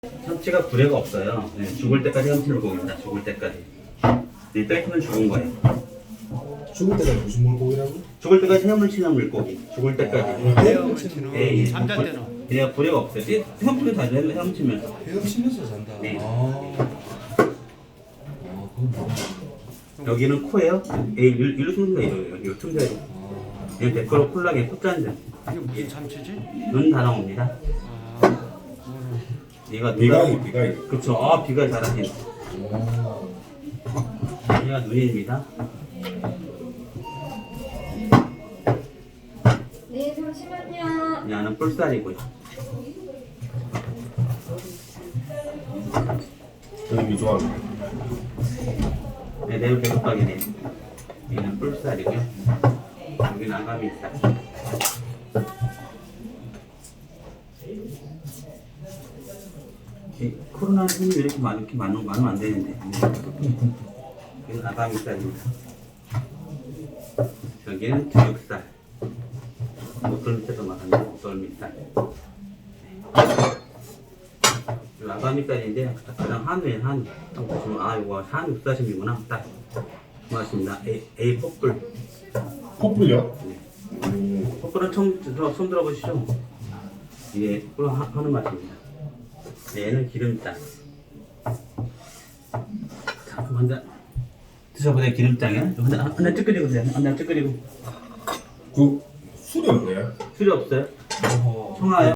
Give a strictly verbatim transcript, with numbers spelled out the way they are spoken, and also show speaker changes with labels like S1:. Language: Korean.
S1: 참치가 불에가 없어요. 네, 죽을 때까지 참치 물고기입니다. 죽을 때까지. 네, 뺏기면 죽은 거예요.
S2: 죽을 때가 무슨 물고기라고?
S1: 죽을 때까지 헤엄치는 물고기. 죽을 때까지.
S2: 헤엄치는
S1: 예, 예.
S3: 잠잘 때는.
S1: 그냥 불에가 없어요. 이 헤엄치면 다 헤엄- 헤엄치면서.
S2: 헤엄치면서 잔다.
S1: 네.
S2: 아. 아, 그건 뭐야?
S1: 여기는 코예요. 예, 일로, 일로 숨는 거예요. 여기, 여기 틈새로.
S2: 아.
S1: 얘는 데코로 콜라겐 코짠데.
S3: 이게 무슨 참치지?
S1: 눈 다 나옵니다.
S3: 아,
S1: 얘가
S2: 비가이,
S1: 눈-
S2: 비가이.
S1: 그렇죠. 아, 비가 잘하시네.
S2: 오.
S1: 얘가 눈입니다.
S4: 네, 잠시만요.
S1: 얘는 뿔살이고요.
S2: 여기 좋아하네.
S1: 네, 내일 배고파기네. 얘는 뿔살이고요. 여기는 아가미살. 이 코로나 손님이 이렇게 많게 많으면, 많으면 안 되는데. 여기는 아가미살입니다. 여기는 두육살. 목돌 밑에서 말하는 목돌 밑살. 이 아가미살인데 가장 한우에 한우. 딱 보시면 아 이거 한우 육사심이구나. 딱 고맙습니다. A A 폭불.
S2: 커플이요?
S1: 네. 폭불은 처음 저, 처음 들어보시죠? 이게 폭불 하- 한우 맛입니다. 네, 얘는 기름장. 자, 그럼 한 잔 드셔보세요. 기름장이요. 한잔 한잔 찌끄리고 드세요. 한잔 찌끄리고.
S2: 그 술이 없네요.
S1: 술이 없어요?
S2: 어허.
S1: 청아요.